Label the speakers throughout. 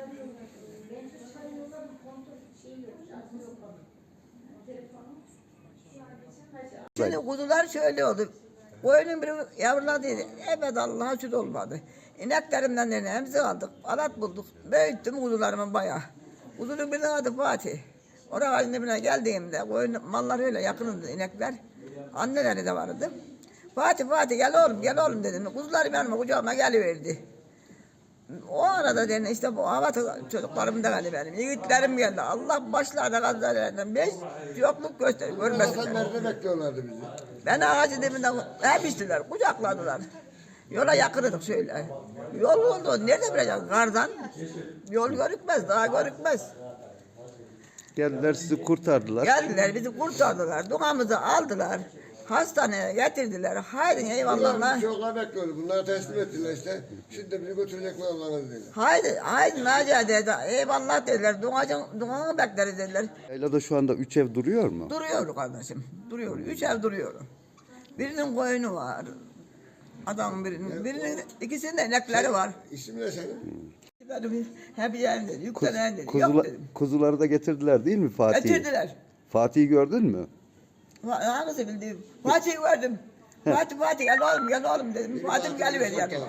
Speaker 1: Şimdi kuzular şöyle oldu. Koyunun biri yavruladıydı. Evet Allah'a şükür olmadı. İneklerimden de hemzi aldık. Alat bulduk. Büyüttüm kuzularımı bayağı. Kuzunun birinin adı Fatih. Oraya ağacın dibine geldiğimde koyun mallar öyle yakındı inekler. Anneleri de vardı. Fatih gel oğlum dedim. Kuzularım yanıma kucağıma geliverdi. O arada dedim işte bu hava çocuklarım da geldi benim. Yiğitlerim geldi. Allah başlarına gazlarından 5 yokluk görmesinler.
Speaker 2: Sen nerede bekliyorlardı bizi?
Speaker 1: Ben ağacın dibinden hep içtiler, kucakladılar. Yola yakındık şöyle. Yol oldu, nerede bileceğiz? Kardan. Yol görükmez, daha görükmez.
Speaker 3: Geldiler sizi kurtardılar.
Speaker 1: Geldiler, bizi kurtardılar. Duamızı aldılar. Hastaneye getirdiler. Haydi eyvallah.
Speaker 2: Çocuklar bekliyordu. Bunları teslim ettiler işte. Şimdi bizi götürecekler Allah'ın izniyle.
Speaker 1: Haydi Naciye dedi. Eyvallah dediler. Duanı bekleriz dediler.
Speaker 3: Yaylada şu anda 3 ev duruyor mu?
Speaker 1: Duruyor kardeşim. Duruyor. 3 ev duruyor. Birinin koyunu var. Adamın birinin ikisinin inekleri var.
Speaker 2: İsim ne senin?
Speaker 1: Benim hep yerinde, yükselen dedi. Yok dedim.
Speaker 3: Kuzuları da getirdiler değil mi Fatih'i?
Speaker 1: Getirdiler.
Speaker 3: Fatih'i gördün mü?
Speaker 1: Hangisi bildiğim? Fatih'i gördüm. Fatih gel oğlum dedim. Fatih geliver yanıma.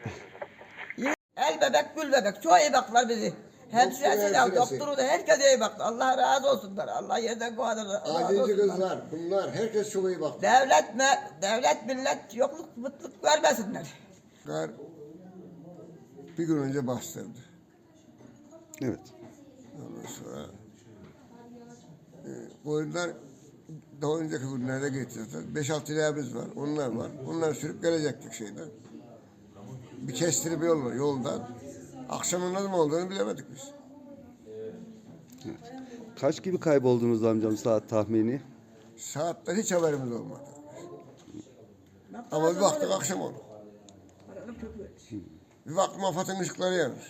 Speaker 1: El bebek, gül bebek. Çok iyi baktılar bizi. Hemşiresi de, doktoru da herkes iyi baktı. Allah razı olsunlar. Allah yerden kovadır.
Speaker 2: Acizi kızlar, bunlar herkes çok iyi baktı.
Speaker 1: Devlet millet yokluk mutluluk vermesinler.
Speaker 2: Kar bir gün önce bastırdı.
Speaker 3: Evet.
Speaker 2: Ondan sonra koyunlar daha önceki günlerde geçeceğiz. 5-6 lirayımız var, onlar var. Onlar sürüp gelecektik şeyden. Bir kestirip yol var yoldan. Akşamın ne zaman olduğunu bilemedik biz.
Speaker 3: Evet. Kaç gibi kayboldunuz amcam saat tahmini?
Speaker 2: Saatten hiç haberimiz olmadı. Ama bir baktık akşam oldu. Bir baktım AFAD'ın ışıkları yanmış.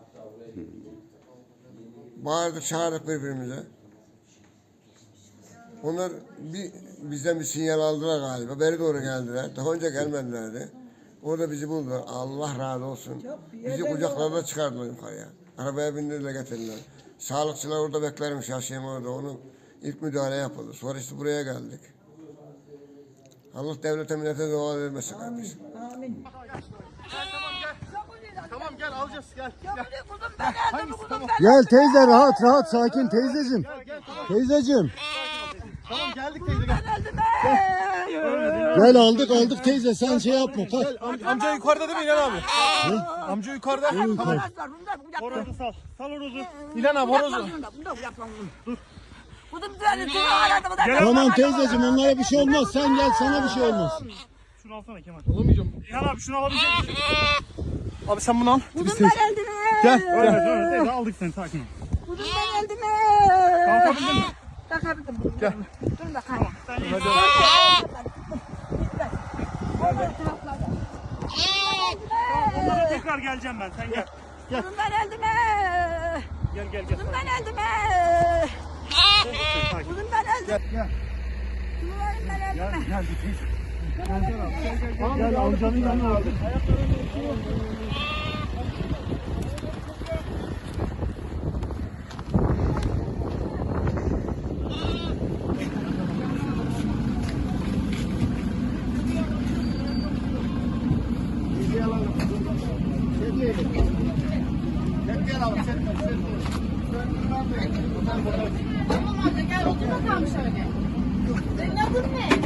Speaker 2: Bağırdık çağırdık birbirimize. Onlar bizden bir sinyal aldılar galiba. Beri doğru geldiler. Daha önce gelmedilerdi. Orada bizi buldular. Allah razı olsun. Bizi kucaklarına çıkardılar yukarıya. Arabaya bindirdiler getirdiler. Sağlıkçılar orada beklermiş yaşayan orada. Onun ilk müdahale yapıldı. Sonra işte buraya geldik. Allah devlete millete dua vermesin kardeşim.
Speaker 1: Amin.
Speaker 4: Tamam gel alacağız gel.
Speaker 5: Gel teyze rahat sakin teyzeciğim. Teyzeciğim.
Speaker 4: Tamam geldik teyze gel.
Speaker 5: Gel aldık teyze sen şey yapma kalk.
Speaker 4: Amca yukarıda değil mi İlhan abi? Amca yukarıda. Tamam. Horozu sal. Sal horozu. İlhan abi horozu.
Speaker 5: Tamam teyzeciğim onlara bir şey olmaz sen gel sana bir şey olmaz.
Speaker 4: Şunu alsana Kemal. Alamayacağım. İlhan abi şunu alabilecek misin? Abi sen bunu al.
Speaker 1: Kuzum ben eldim.
Speaker 4: Gel. Öyle teyze aldık seni sakin ol.
Speaker 1: Kuzum ben eldim.
Speaker 4: Kalkabildin mi?
Speaker 1: Kalkabildim.
Speaker 4: Gel.
Speaker 1: Dur bakalım.
Speaker 4: Sen iyi. Onlara tekrar geleceğim ben. Sen gel. Gel.
Speaker 1: Kuzum ben eldim.
Speaker 4: Gel.
Speaker 1: Kuzum ben eldim. Kuzum ben eldim.
Speaker 4: Gel.
Speaker 1: Kuzum ben eldim.
Speaker 4: Gel teyze. Gel amcanın yanına aldık.
Speaker 6: Tamam amca gel otur bakalım şöyle. Senin adın ne?